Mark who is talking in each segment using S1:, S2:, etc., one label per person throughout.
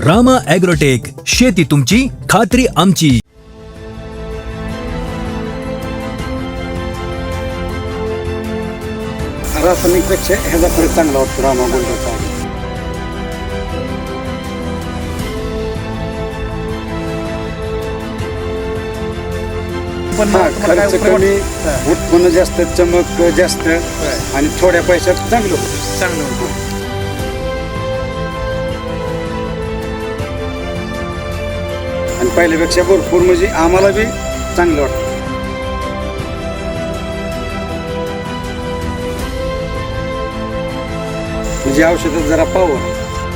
S1: Rama agrotech, शेती तुमची, खात्री आमची.
S2: रासायनिकपेक्षा ह्याचा फरक चांगला वाटतो रामा गोल्डचा.
S3: पण
S2: खर्च कमी, उत्पन्न जास्त, चमक जास्त आणि थोड्या पैशात चांगलं होतं.
S3: चांगलं होतं.
S2: आणि पहिल्यापेक्षा भरपूर म्हणजे आम्हाला बी चांगलं वाटतं. म्हणजे औषधात जरा पावर.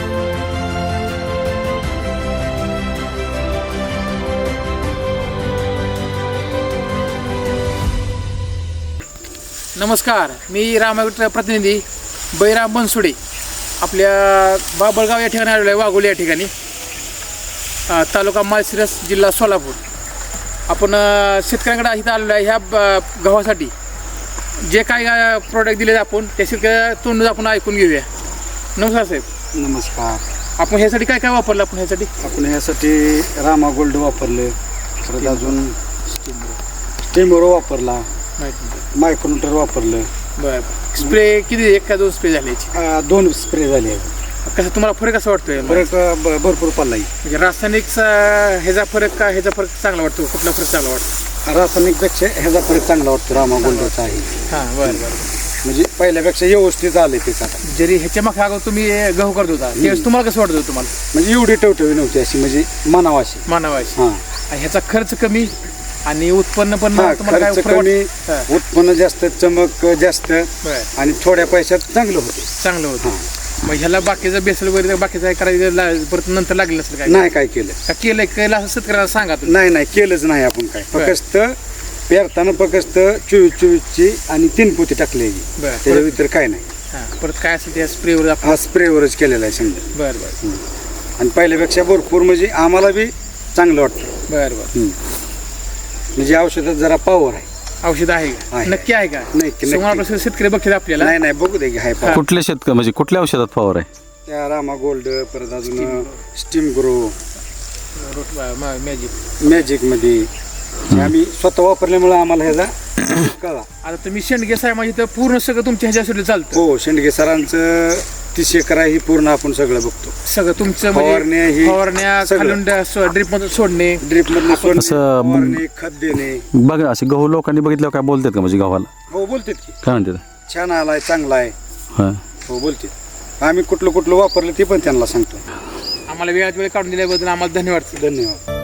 S3: नमस्कार, मी रामागड प्रतिनिधी बैराम बनसुडे आपल्या बाबळगाव या ठिकाणी आलेलो आहे, वाघोली या ठिकाणी, तालुका माळशिरस, जिल्हा सोलापूर. आपण शेतकऱ्यांकडे इथं आलेलो आहे ह्या गव्हासाठी. जे काय प्रोडक्ट दिले आपण त्या शेतकऱ्या तोंड आपण ऐकून घेऊया. नमस्कार साहेब.
S2: नमस्कार.
S3: आपण ह्यासाठी काय काय वापरलं?
S2: आपण ह्यासाठी रामा गोल्ड वापरले, परत अजून स्टीमरो वापरला, मायक्रोन्यूटर वापरलं.
S3: बरं. स्प्रे किती, एक का दोन स्प्रे झाले?
S2: 2 स्प्रे झाले.
S3: कसं तुम्हाला फरक कसा वाटतोय?
S2: फरक भरपूर पडला.
S3: म्हणजे रासायनिकचा ह्याचा फरक का ह्याचा फरक चांगला वाटतो? कुठला फरक चांगला वाटतो?
S2: रासायनिकपेक्षा ह्याचा फरक चांगला वाटतो रामा गोल्डचा आहे.
S3: हां, बरं बरं.
S2: म्हणजे पहिल्यापेक्षा व्यवस्थित आले त्याचा.
S3: जरी ह्याच्या मागे अगोदर तुम्ही गहू करत होता त्यावेळेस तुम्हाला कसं वाटत होतं? तुम्हाला
S2: म्हणजे एवढी टवटवी नव्हती अशी, म्हणजे मानावाशी.
S3: मानवाशी.
S2: हां.
S3: ह्याचा खर्च कमी आणि उत्पन्न पण
S2: खर्च
S3: तुम्हाला काय फरक
S2: कमी,
S3: हां.
S2: उत्पन्न जास्त, चमक जास्त
S3: बरं.
S2: आणि थोड्या पैशात चांगलं होतं.
S3: चांगलं होतं. मग ह्याला बाकीचं बेसल वगैरे बाकीचं काय करायचं परत नंतर लागलं असेल? काय
S2: नाही काय केलं.
S3: का केलंय? केलं असं शेतकऱ्याला सांगा तुम्ही.
S2: नाही केलंच नाही आपण काय. फक्त पेरताना फक्त 24-24ची आणि 3 पोती टाकलेली.
S3: बरं.
S2: त्याच्या व्यतिरिक्त काय नाही.
S3: हां, परत काय असेल त्या स्प्रेवर आपण.
S2: हा स्प्रेवरच केलेला आहे समजा.
S3: बरं बरं
S2: आणि पहिल्यापेक्षा भरपूर म्हणजे आम्हाला बी चांगलं वाटतं.
S3: बरं बरं.
S2: म्हणजे औषधात जरा पावर आहे.
S3: औषध आहे का?
S2: आहे.
S3: नक्की आहे का?
S2: नक्की.
S3: सोमवारपासून शेतकरी बघतात आपल्याला.
S2: नाही बघू दे की हाय पावर.
S4: कुठल्या शेतकरी म्हणजे कुठल्या औषधात फवार आहे?
S2: त्या रामा गोल्ड, परत अजून स्टीम ग्रो, मॅजिक मध्ये आम्ही स्वतः वापरल्यामुळे आम्हाला ह्याचा कळा.
S3: आता तुम्ही शेंडगे साहेब म्हणजे तर पूर्ण सगळं तुमच्या ह्याच्यासाठी चालतं.
S2: हो, शेंडगे सरांचं 30 एकर ही पूर्ण आपण सगळं बघतो.
S3: सगळं तुमचं
S2: फवारण्या ही
S3: फवारण्या
S2: सगळं.
S3: खालून ड्रिप मधून सोडणे,
S2: ड्रिप मधून सोडणे,
S4: असं
S2: फवारणी, खत देणे.
S4: बघ असे गहू लोकांनी बघितल्यावर काय बोलतात का म्हणजे गव्हाला?
S2: हो बोलतात की
S4: काय म्हणतात?
S2: छान आलाय, चांगला आहे.
S4: हां.
S2: हो बोलतात. आम्ही कुठलं वापरलं ते पण त्यांना सांगतो.
S3: आम्हाला वेळात वेळ काढून दिल्याबद्दल आम्हाला धन्यवाद.
S2: धन्यवाद.